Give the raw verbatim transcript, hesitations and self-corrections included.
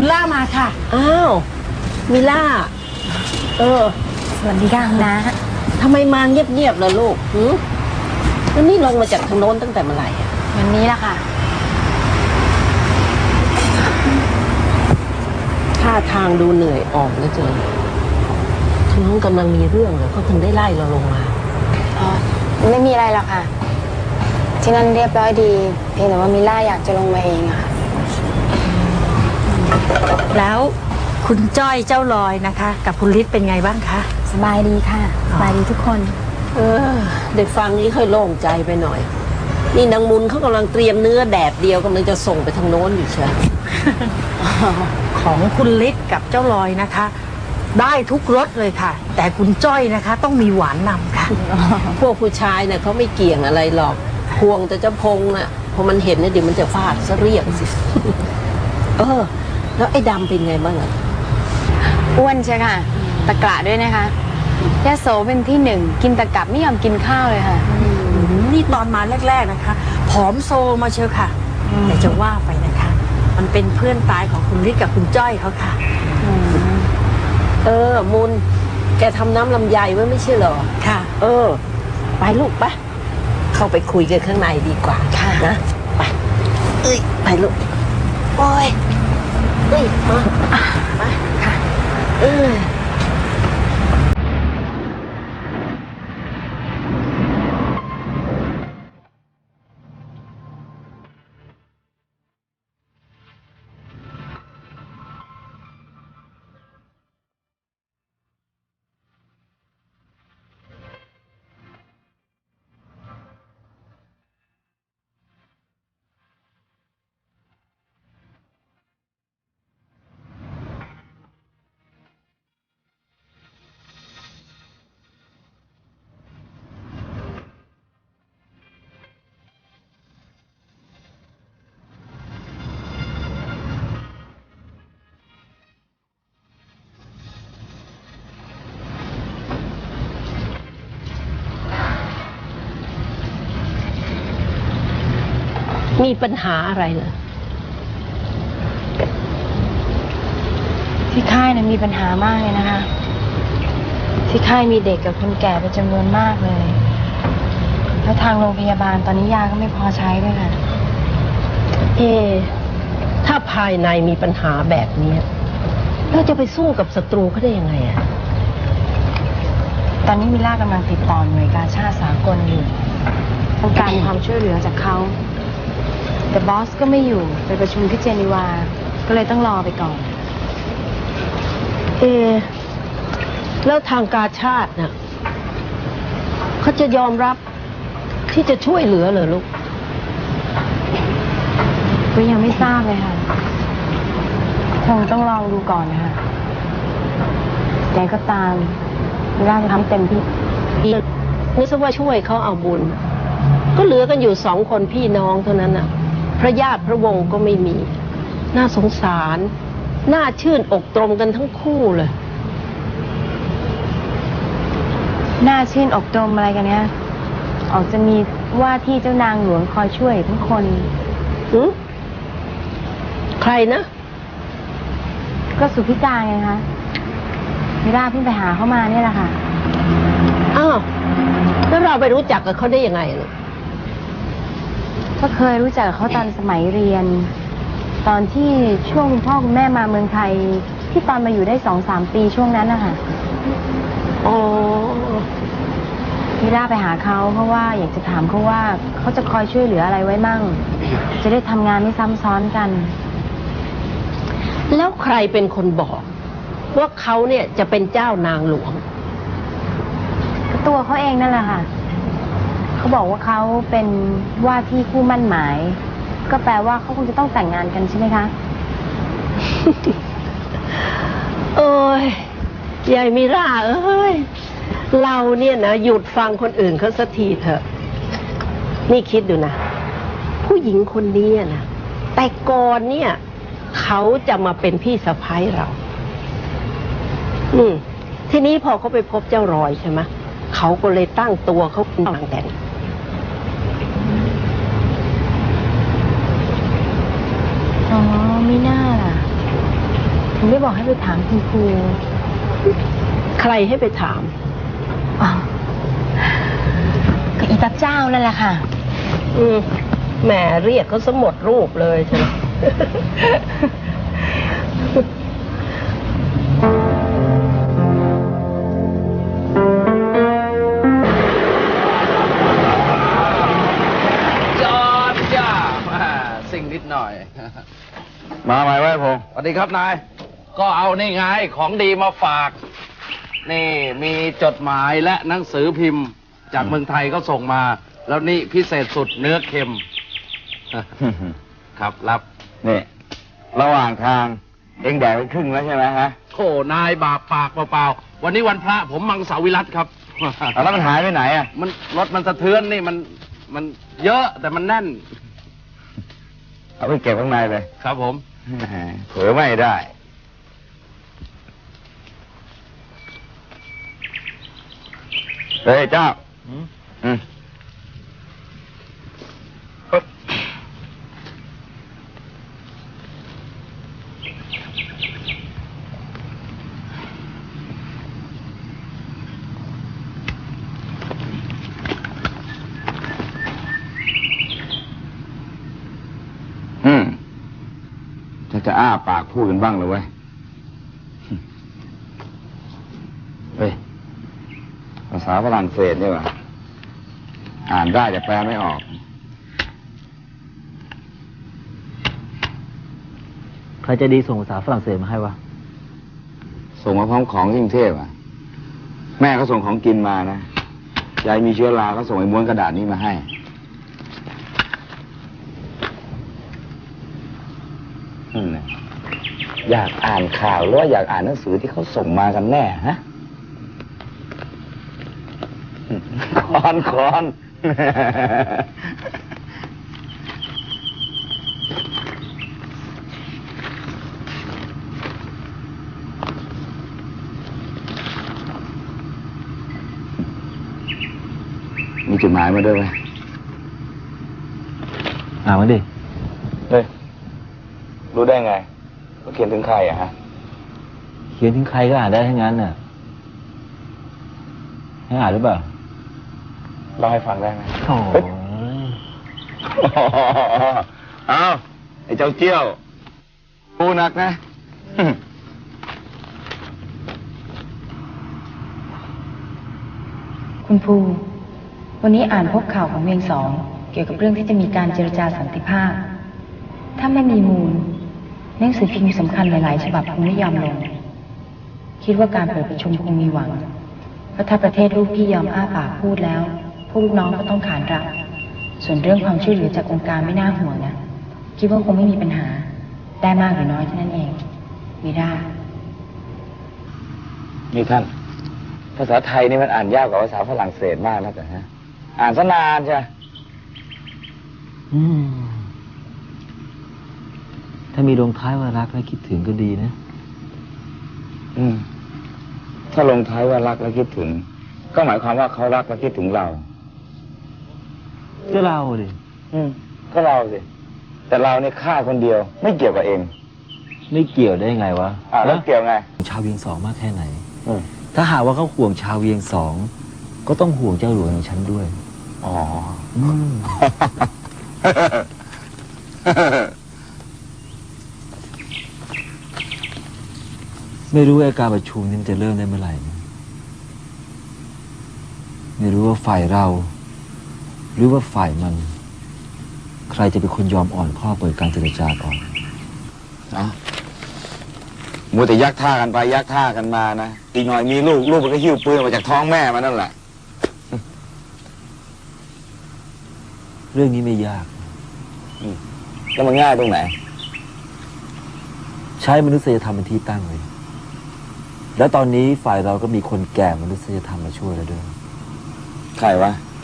ล่ามาค่ะอ้าวมิล่าเออสวัสดีค่ะนะทำไมมาเงียบๆล่ะลูกหืมแล้วนี่ลงมาจากทางโน้นตั้งแต่เมื่อไหร่อ่ะวันนี้ละค่ะท่าทางดูเหนื่อยอ่อนแล้วเจอทางโน้นกำลังมีเรื่องเหรอเขาถึงได้ไล่เราลงมาอ๋อไม่มีอะไรหรอกค่ะที่นั่นเรียบร้อยดีเพียงแต่ว่ามิล่าอยากจะลงมาเองอะค่ะแล้วคุณจ้อยเจ้าลอยนะคะกับคุณฤทธิ์เป็นไงบ้างคะสบายดีค่ะสบายดีทุกคนเออได้ฟังนี้ค่อยโล่งใจไปหน่อยนี่นางมุนเขากำลังเตรียมเนื้อแดดเดียวกำลังจะส่งไปทางโน้นอยู่เชียวของคุณฤทธิ์กับเจ้าลอยนะคะได้ทุกรสเลยค่ะแต่คุณจ้อยนะคะต้องมีหวานนำค่ะพวกผู้ชายเนี่ยเขาไม่เกี่ยงอะไรหรอกพวงแต่เจ้าพงน่ะพอมันเห็นเนี่ยเดี๋ยวมันจะฟาดซะเรียกสิเออแล้วไอ้ดำเป็นไงบ้างอ่ะอ้วนใช่ค่ะตะกระด้วยนะคะยาโสเป็นที่หนึ่งกินตะกับไม่ยอมกินข้าวเลยค่ะนี่ตอนมาแรกๆนะคะผอมโซมาเชียวค่ะแต่จะว่าไปนะคะมันเป็นเพื่อนตายของคุณฤทธิ์กับคุณจ้อยเขาค่ะเออมุนแกทำน้ำลำไยไว้ไม่ใช่เหรอค่ะเออไปลูกไปเข้าไปคุยกันข้างในดีกว่าค่ะนะไปเอ้ยไปลูกโอ้ยเอ้ยมามาค่ะเออมีปัญหาอะไรเหรอที่ค่ายเนี่ยมีปัญหามากเลยนะคะที่ค่ายมีเด็กกับคนแก่เป็นจำนวนมากเลยแล้วทางโรงพยาบาลตอนนี้ยาก็ไม่พอใช้ด้วยค่ะเอถ้าภายในมีปัญหาแบบนี้เราจะไปสู้กับศัตรูเขาได้ยังไงอะตอนนี้มิล่ากำลังติดต่อหน่วยกาชาดสากลอยู่ต้องการความช่วยเหลือจากเขาแต่บอสก็ไม่อยู่ไปประชุมที่เจนีวาก็เลยต้องรอไปก่อนเอแล้วทางกาชาดน่ะเขาจะยอมรับที่จะช่วยเหลือเหรอลูกก็ยังไม่ทราบเลยค่ะคงต้องลองดูก่อนนะคะแต่ก็ตามมิล่าจะทำเต็มที่นี่ซะว่าช่วยเขาเอาบุญก็เหลือกันอยู่สองคนพี่น้องเท่านั้นน่ะพระญาติพระวงศ์ก็ไม่มีน่าสงสารน่าชื่นอกตรมกันทั้งคู่เลยน่าชื่นอกตรมอะไรกันเนี่ยออกจะมีว่าที่เจ้านางหลวงคอยช่วยทั้งคนหือใครนะก็สุพิจารไงคะมิล่าเพิ่งไปหาเขามาเนี่ยแหละค่ะอ้าวแล้วเราไปรู้จักกับเขาได้ยังไงลูกก็เคยรู้จักกับเขาตอนสมัยเรียนตอนที่ช่วงคุณพ่อคุณแม่มาเมืองไทยที่ตอนมาอยู่ได้สองสามปีช่วงนั้นนะคะอ๋อมิล่าไปหาเขาเพราะว่าอยากจะถามเขาว่าเขาจะคอยช่วยเหลืออะไรไว้มั่งจะได้ทำงานไม่ซ้ำซ้อนกันแล้วใครเป็นคนบอกว่าเขาเนี่ยจะเป็นเจ้านางหลวงก็ตัวเขาเองนั่นแหละค่ะเขาบอกว่าเขาเป็นว่าที่คู่มั่นหมายก็แปลว่าเขาคงจะต้องแต่งงานกันใช่ไหมคะเอ้ยยายมิราเอ้ยเราเนี่ยนะหยุดฟังคนอื่นเขาสักทีเถอะนี่คิดดูนะผู้หญิงคนนี้นะแต่ก่อนเนี่ยเขาจะมาเป็นพี่สะใภ้เราอืมทีนี้พอเขาไปพบเจ้ารอยใช่ไหมเขาก็เลยตั้งตัวเขาเป็นนางแต่งอ๋อไม่น่าล่ะถึงได้บอกให้ไปถามคุณครูใครให้ไปถามอ๋อก็อีตับเจ้านั่นแหละค่ะอืมแหมเรียกเขาสมดรูปเลยใช่ไหมจอดจ้าอ่าสิ่งนิดหน่อยมาใหม่ไว้พงสวัสดีครับนาย ก็เอานี่ไงของดีมาฝาก นี่มีจดหมายและหนังสือพิมพ์ จากเมืองไทยก็ส่งมา แล้วนี่พิเศษสุดเนื้อเค็ม ครับรับนี่ ระหว่างทาง เอ็งแดกไปครึ่งแล้วใช่ไหมฮะโอ้นายบาปปากเปล่าๆ วันนี้วันพระผมมังสวิรัตครับเอาแล้วมันหายไปไหนอ่ะมันรถมันสะเทือนนี่มันมันเยอะแต่มันแน่นเอาไปเก็บข้างในเลยครับผมเผลอไม่ได้ เฮ้ยเจ้า อืมปึ๊บอืมจะจะอ้าปากพูดกันบ้างเลยเว้ย เฮ้ย ภาษาฝรั่งเศสนี่หว่าอ่านได้แต่แปลไม่ออกใครจะดีส่งภาษาฝรั่งเศสมาให้วะส่งมาพร้อมของที่กรุงเทพอ่ะ แม่เขาส่งของกินมานะ ยายมีเชื้อราก็ส่งไอ้ม้วนกระดาษนี้มาให้ อืมนะอยากอ่านข่าวหรือว่าอยากอ่านหนังสือที่เขาส่งมากันแน่ฮะ คอนคอน มีจดหมายมาด้วยไหมอ่านมาดิเฮ้ย รู้ได้ไงว่าเขียนถึงใครอะฮะเขียนถึงใครก็อ่านได้ทั้งนั้นน่ะ ให้อ่านหรือเปล่าเล่าให้ฟังได้ไหมโอ้ยอ้าวไอ้เจ้าเจี้ยวปูนักนะคุณภูวันนี้อ่านพบข่าวของเวียงสอง เกี่ยวกับเรื่องที่จะมีการเจรจาสันติภาพ ถ้าไม่มีมูลหนังสือพิมพ์สำคัญหลาย ๆ ฉบับคงไม่ยอมลง คิดว่าการเปิดประชุมคงมีหวัง เพราะถ้าประเทศลูกพี่ยอมอ้าปากพูดแล้วพวกลูกน้องก็ต้องขานรับ ส่วนเรื่องความช่วยเหลือจากองค์การไม่น่าห่วงนะ คิดว่าคงไม่มีปัญหา ได้มากหรือน้อยเท่านั้นเองมีได้นี่ท่าน ภาษาไทยนี่มันอ่านยากกว่าภาษาฝรั่งเศสมากนะแต่ฮะ อ่านซะนานใช่ไหมอืมถ้ามีลงท้ายว่ารักและคิดถึงก็ดีนะอืม ถ้าลงท้ายว่ารักและคิดถึง ก็หมายความว่าเขารักและคิดถึงเราก็เราดิอืม ก็เราสิ แต่เราเนี่ยฆ่าคนเดียว ไม่เกี่ยวกับเองไม่เกี่ยวได้ไงวะอ่าแล้วเกี่ยวไงชาวเวียงสองมากแค่ไหนอืมถ้าหากว่าเขาห่วงชาวเวียงสอง ก็ต้องห่วงเจ้าหลวงอย่างฉันด้วยอ๋ออืม ไม่รู้ว่าการประชุมนี้มันจะเริ่มได้เมื่อไหร่นะไม่รู้ว่าฝ่ายเรา หรือว่าฝ่ายมัน ใครจะเป็นคนยอมอ่อนข้อเปิดการเจรจาก่อนเนาะมัวแต่ยักท่ากันไปยักท่ากันมานะ อีกหน่อยมีลูก ลูกมันก็หิ้วปืนมาจากท้องแม่มันนั่นแหละเรื่องนี้ไม่ยากแล้วมันง่ายตรงไหนใช้มนุษยธรรมเป็นที่ตั้งเลย แล้วตอนนี้ฝ่ายเราก็มีคนแก่มนุษยธรรมมาช่วยแล้วด้วยใครวะ